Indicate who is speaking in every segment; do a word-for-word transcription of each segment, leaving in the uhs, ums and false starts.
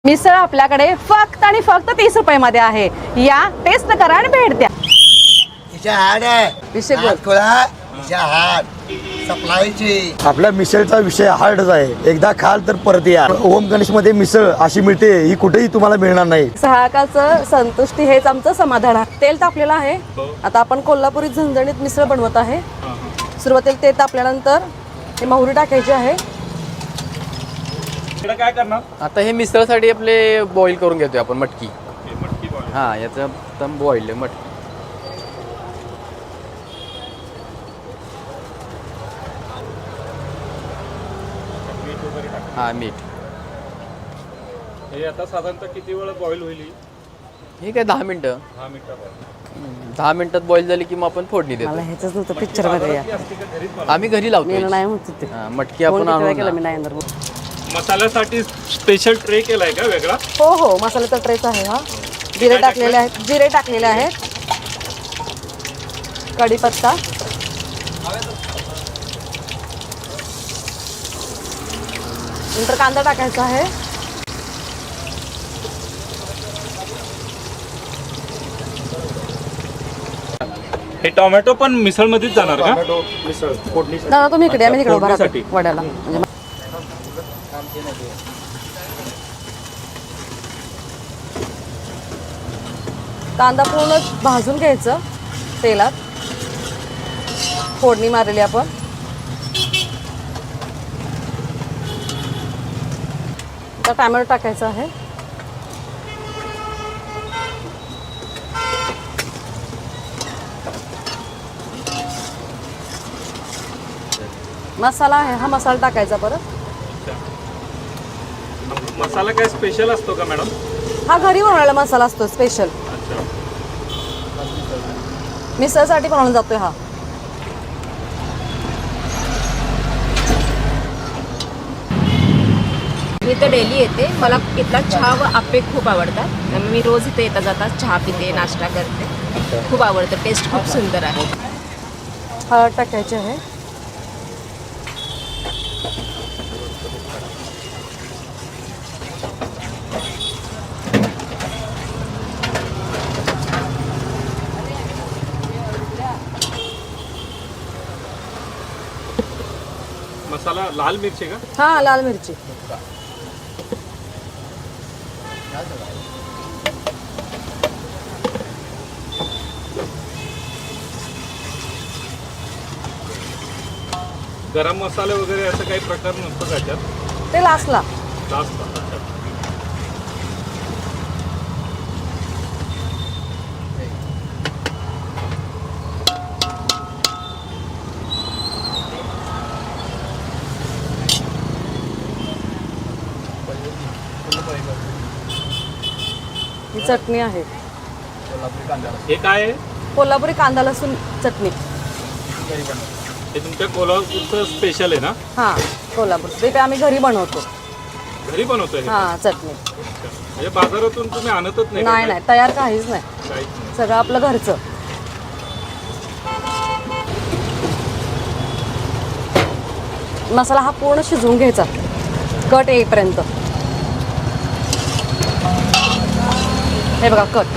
Speaker 1: मिसळ आपल्याकडे फक्त आणि फक्त तीस रुपये मध्ये आहे. या टेस्ट करा आणि भेट द्या.
Speaker 2: तिच्या हाड आहे
Speaker 1: विषय बोल.
Speaker 2: खोळा तिच्या हाड सप्लायची.
Speaker 3: आपल्या मिसळचा विषय हार्डच आहे. एकदा खाल तर परत या. ओम गणेश मध्ये मिसळ अशी मिळते ही कुठेही तुम्हाला मिळणार नाही.
Speaker 1: सहाकाचं संतुष्टी हेच आमचं समाधान आहे. तेल तापलेलं आहे. आता आपण कोल्हापुरी झणझणीत मिसळ बनवत आहे. सुरुवातीला तेल तापल्यानंतर हे मोहरी टाकायची आहे.
Speaker 4: काय करणार
Speaker 5: आता हे मिसळसाठी आपले बॉईल करून घेतोय आपण मटकी. हा याचा एकदम बॉईल मटकी. हा मीठ.
Speaker 4: हे आता साधारणतः किती वेळ बॉईल होईल?
Speaker 5: हे काय दहा मिनिटं.
Speaker 4: दहा मिनिटं
Speaker 5: दहा मिनिटात बॉईल झाली की मग आपण फोडणी
Speaker 1: मला
Speaker 5: देतो.
Speaker 1: ह्याच नव्हतं पिक्चर मध्ये या.
Speaker 5: आम्ही घरी
Speaker 1: मी
Speaker 5: लावतो.
Speaker 1: नाही म्हणत होते.
Speaker 5: मटकी आपण आणून
Speaker 1: केलं मी
Speaker 5: ना.
Speaker 1: नाही येणार.
Speaker 4: मसाल्यासाठी स्पेशल ट्रे केलाय का वेगळा?
Speaker 1: हो हो मसाल्याचा ट्रेच आहे हा. जिरे टाकलेले आहेत. जिरे टाकलेले आहेत. कढीपत्ता, नंतर कांदा टाकायचा आहे.
Speaker 4: हे टोमॅटो पण मिसळ मध्येच जाणार का?
Speaker 1: दादा तुम्ही इकडे आम्ही तिकडे उभा राहतो
Speaker 4: फोडणीसाठी.
Speaker 1: वड्याला. म्हणजे कांदा पूर्ण भाजून घ्यायचं तेलात. फोडणी मारली आपण. आता टोमॅटो टाकायचा आहे. मसाला आहे हा मसाला टाकायचा परत.
Speaker 4: मसाला काय स्पेशल असतो का मॅडम?
Speaker 1: हा घरी बनवलेला मसाला असतो स्पेशल.
Speaker 4: अच्छा.
Speaker 1: मिसळसाठी बनवला जातोय हा.
Speaker 6: मी तर डेली येते. मला इथला चहा व आप्पे खूप आवडतात. त्यामुळे मी रोज इथे येता जाता चहा पिते, नाश्ता करते. खूप आवडतं. टेस्ट खूप सुंदर आहे.
Speaker 1: हळद टाकायची आहे.
Speaker 4: मसाला लाल मिरची का?
Speaker 1: हा लाल मिरची.
Speaker 4: गरम मसाले वगैरे असं काही प्रकार नसतो त्याच्यात?
Speaker 1: ते लास्टला.
Speaker 4: जास्त.
Speaker 1: ही चटणी आहे.
Speaker 4: हे काय आहे?
Speaker 1: कोल्हापुरी कांदा लसूण चटणी.
Speaker 4: हे तुमच्या कोल्हापूरचं स्पेशल आहे ना?
Speaker 1: हा कोल्हापूर. ते काय आम्ही घरी बनवतो.
Speaker 4: घरी बनवतोय हे?
Speaker 1: हा चटणी.
Speaker 4: म्हणजे बाजारातून तुम्ही आणतच नाही का
Speaker 1: नाही
Speaker 4: काय?
Speaker 1: नाही तयार काहीच नाही.
Speaker 4: काहीच नाही.
Speaker 1: सगळं आपलं घरचं. मसाला हा पूर्ण शिजवून घ्यायचा कट येईपर्यंत. हे बघा कट.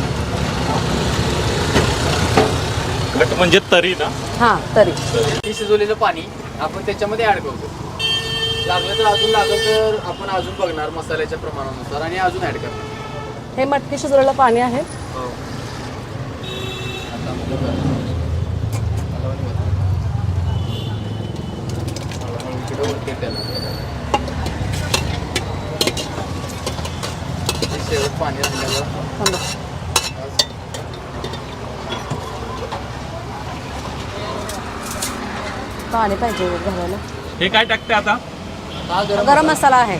Speaker 4: घट म्हणजे तरी ना?
Speaker 1: हा तरी.
Speaker 5: हे शिजवलेलं पाणी आपण त्याच्यामध्ये ऍड करतो. लागलं तर अजून लागलं तर आपण अजून बघणार मसाल्याच्या प्रमाणानुसार आणि अजून ऍड करणार.
Speaker 1: हे मटकी शिजवलेलं पाणी आहे.
Speaker 5: शेवट पाणी असल्यावर
Speaker 1: थांबा. पाणी पाहिजे घालायला.
Speaker 4: हे काय टाकते आता?
Speaker 5: हा गरम
Speaker 1: गरम मसाला आहे.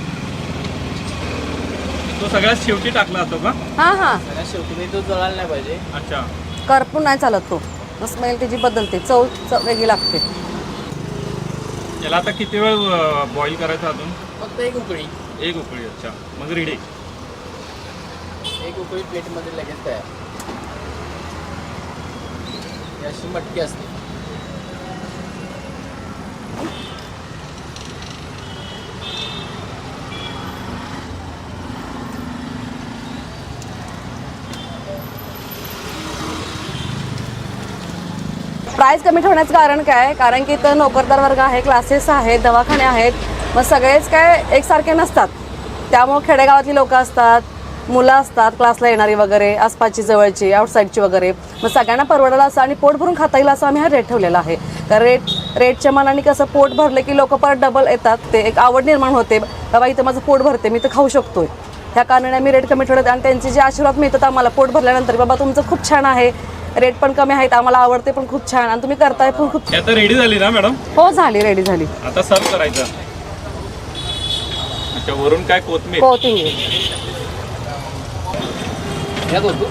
Speaker 4: तो सगळ्यात शेवटी टाकला जातो का?
Speaker 1: हा हा
Speaker 5: सगळ्यात शेवटी मी तो जळायला नाही पाहिजे.
Speaker 4: अच्छा.
Speaker 1: करपून नाही चालत तो. स्मेल त्याची बदलते. चव चव वेगळी लागते.
Speaker 4: याला आता किती वेळ बॉईल करायचं अजून?
Speaker 5: फक्त एक उकळी.
Speaker 4: एक उकळी. अच्छा मग रेडी.
Speaker 5: एक उकळी प्लेटमध्ये लगेच तयार. ही अशी मटकी असते.
Speaker 1: प्राईस कमी ठेवण्याचं कारण काय, कारण की इथं नोकरदार वर्ग आहे, क्लासेस आहेत, दवाखाने आहेत, मग सगळेच काय एकसारखे नसतात. त्यामुळं खेडेगावातली लोकं असतात, मुलं असतात क्लासला येणारी वगैरे, आसपासची जवळची आउटसाईडची वगैरे, मग सगळ्यांना परवडायला असं आणि पोट भरून खाता येईल असं आम्ही हा रेट ठेवलेला आहे. कारण रेट रेटच्या मनाने कसं पोट भरलं की लोक परत डबल येतात, ते एक आवड निर्माण होते, बाबा इथं माझं पोट भरते, मी तर खाऊ शकतोय. ह्या कारणाने आम्ही रेट कमी ठेवले आणि त्यांचे जे आशीर्वाद मिळतात आम्हाला पोट भरल्यानंतर, बाबा तुमचं खूप छान आहे, रेट पण कमी आहेत, आम्हाला आवडते पण खूप छान आणि तुम्ही करताय पण खूप.
Speaker 4: हे आता रेडी झाली ना मॅडम?
Speaker 1: हो झाली, रेडी झाली.
Speaker 4: आता सर्व करायचं. अच्छा, वरून काय कोथमीर?
Speaker 1: कोथिंबीर.
Speaker 5: यात होतो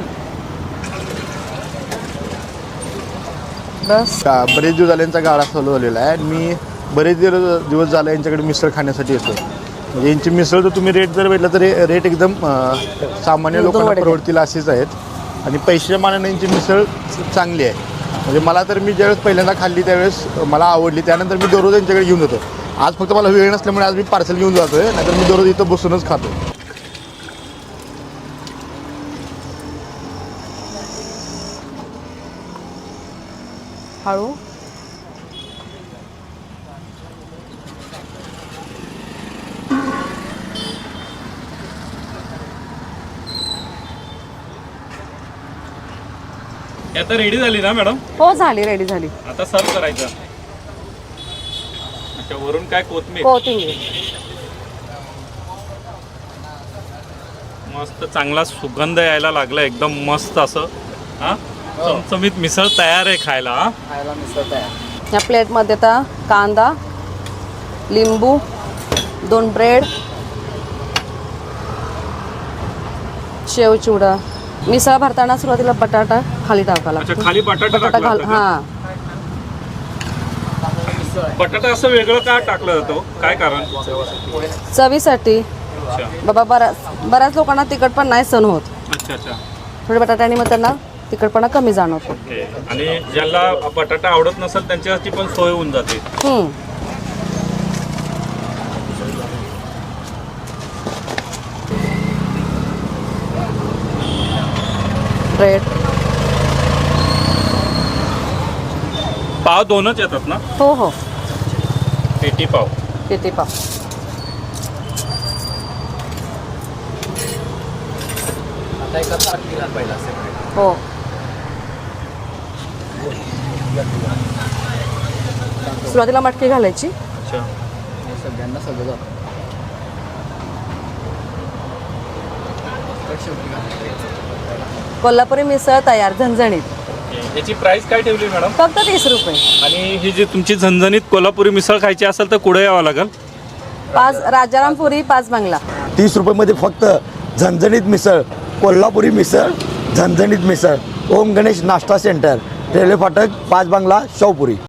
Speaker 1: बस.
Speaker 7: का बरेच दिवस झाले यांचा गाडा चालू झालेला आहे आणि मी बरेच दिवस दिवस झाले यांच्याकडे मिसळ खाण्यासाठी येतो. म्हणजे यांची मिसळ जर तुम्ही रेट जर भेटला तर रेट एकदम अं, सामान्य लोकांना परवडतील असेच आहेत आणि पैशाच्या मानाने यांची मिसळ चांगली आहे. म्हणजे मला तर मी ज्यावेळेस पहिल्यांदा खाल्ली त्यावेळेस मला आवडली, त्यानंतर मी दररोज यांच्याकडे घेऊन जातो. आज फक्त मला वेळ नसल्यामुळे आज मी पार्सल घेऊन जातो आहे, नाहीतर मी दररोज इथं बसूनच खातो.
Speaker 1: हळू.
Speaker 4: हे आता रेडी झाली ना मॅडम?
Speaker 1: हो झाली, रेडी झाली.
Speaker 4: आता सर्व करायचं. अच्छा, वरून काय कोथमीर?
Speaker 1: कोथिंबीर.
Speaker 4: मस्त चांगला सुगंध यायला लागला एकदम मस्त असं. हा, चमचमीत मिसळ तयार आहे खायला. हा,
Speaker 5: खायला मिसळ तयार.
Speaker 1: या प्लेटमध्ये आता कांदा, लिंबू, दोन ब्रेड, शेव चिवडा. मिसळ भरताना सुरुवातीला बटाटा खाली टाकावा
Speaker 4: अच्छा,
Speaker 1: लागतो.
Speaker 4: खाली बटाटा
Speaker 1: बटाटा
Speaker 4: टाकला
Speaker 1: घाल.
Speaker 4: जातो का?
Speaker 1: हां,
Speaker 4: बटाटा असं वेगळं का टाकलं जातो, काय कारण?
Speaker 1: चवीसाठी.
Speaker 4: अच्छा
Speaker 1: बाबा बऱ्याच बऱ्याच लोकांना तिखट पण नाही सहन होत,
Speaker 4: अच्छा अच्छा.
Speaker 1: थोडे बटाट्याने मग त्यांना तिखटपणा कमी जाणवतो.
Speaker 4: ओके. आणि ज्याला बटाटा आवडत नसेल त्यांच्यासाठी पण सोय होऊन जाते.
Speaker 1: हम्म. ब्रेड.
Speaker 4: पाव दोनच येतात ना?
Speaker 1: हो हो,
Speaker 4: पेटी पाव.
Speaker 1: किती पाव.
Speaker 5: आता एका ताट घाल पहिला सेपरेट.
Speaker 1: हो. सुरुवातीला मटकी घालायची.
Speaker 4: अच्छा.
Speaker 5: हे सगळ्यांना सगळं जातं. तर शेवटी घालायचं.
Speaker 1: कोल्हापुरी मिसळ तयार, झणझणीत.
Speaker 4: ओके. याची प्राइस काय ठेवली मॅडम?
Speaker 1: फक्त तीस रुपये.
Speaker 4: आणि ही जी तुमची झणझणीत कोल्हापुरी मिसळ खायची असेल तर कुठे यावं लागेल?
Speaker 1: पाच राजारामपुरी, पाच बंगला.
Speaker 3: तीस रुपयेमध्ये फक्त झणझणीत मिसळ, कोल्हापुरी मिसळ, झणझणीत मिसळ, ओम गणेश नाश्ता सेंटर, रेल्वे फाटक, पाच बांगला, शाहपुरी.